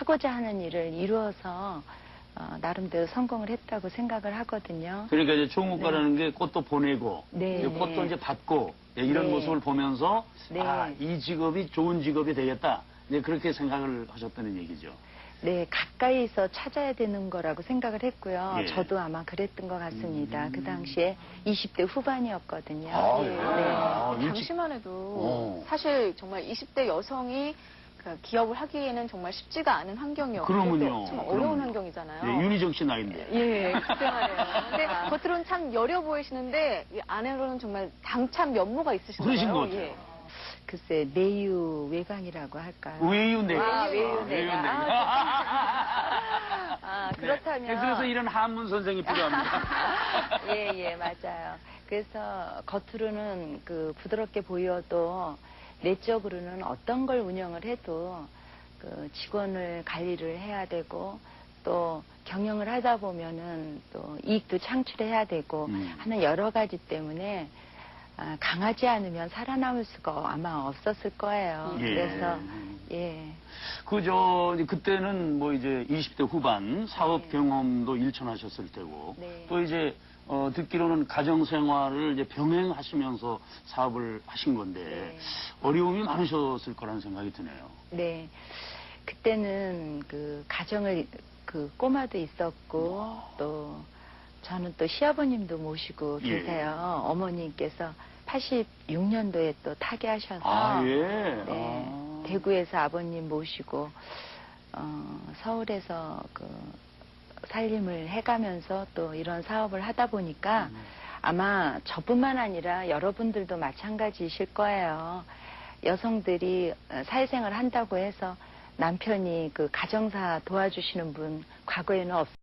하고자 하는 일을 이루어서 나름대로 성공을 했다고 생각을 하거든요. 그러니까 이제 총무과라는 게 꽃도 보내고 네. 꽃도 이제 받고 이런 네. 모습을 보면서 네. 이 직업이 좋은 직업이 되겠다. 이제 그렇게 생각을 하셨다는 얘기죠. 네, 가까이서 찾아야 되는 거라고 생각을 했고요. 예. 저도 아마 그랬던 것 같습니다. 그 당시에 20대 후반이었거든요. 예. 네. 당시만 해도 사실 정말 20대 여성이 그 기업을 하기에는 정말 쉽지가 않은 환경이었고 그러면요. 참 어려운 환경이잖아요. 네, 윤희정 씨 나이인데. 예, 그때 말이에요. 근데 겉으로는 참 여려 보이시는데 이 안으로는 정말 당찬 면모가 있으신 거예요. 그러신 거죠. 예. 글쎄, 내유 외강이라고 할까요? 외유내. 외유내강. 그렇다면. 네, 그래서 이런 한문 선생이 필요합니다. 예, 맞아요. 그래서 겉으로는 그 부드럽게 보여도 내적으로는 어떤 걸 운영을 해도 그 직원을 관리를 해야 되고 또 경영을 하다 보면은 또 이익도 창출해야 되고 하는 여러 가지 때문에 강하지 않으면 살아남을 수가 아마 없었을 거예요. 예. 그래서 예. 그때는 뭐 이제 20대 후반 사업 경험도 일천하셨을 때고 네. 또 이제 듣기로는 가정 생활을 이제 병행하시면서 사업을 하신 건데 네. 어려움이 많으셨을 거라는 생각이 드네요. 네. 그때는 그 가정을 그 꼬마도 있었고 또 저는 또 시아버님도 모시고 예. 계세요. 어머니께서 86년도에 또 타계하셔서 네, 대구에서 아버님 모시고 서울에서 그 살림을 해가면서 또 이런 사업을 하다 보니까 아마 저뿐만 아니라 여러분들도 마찬가지이실 거예요. 여성들이 사회생활을 한다고 해서 남편이 그 가정사 도와주시는 분 과거에는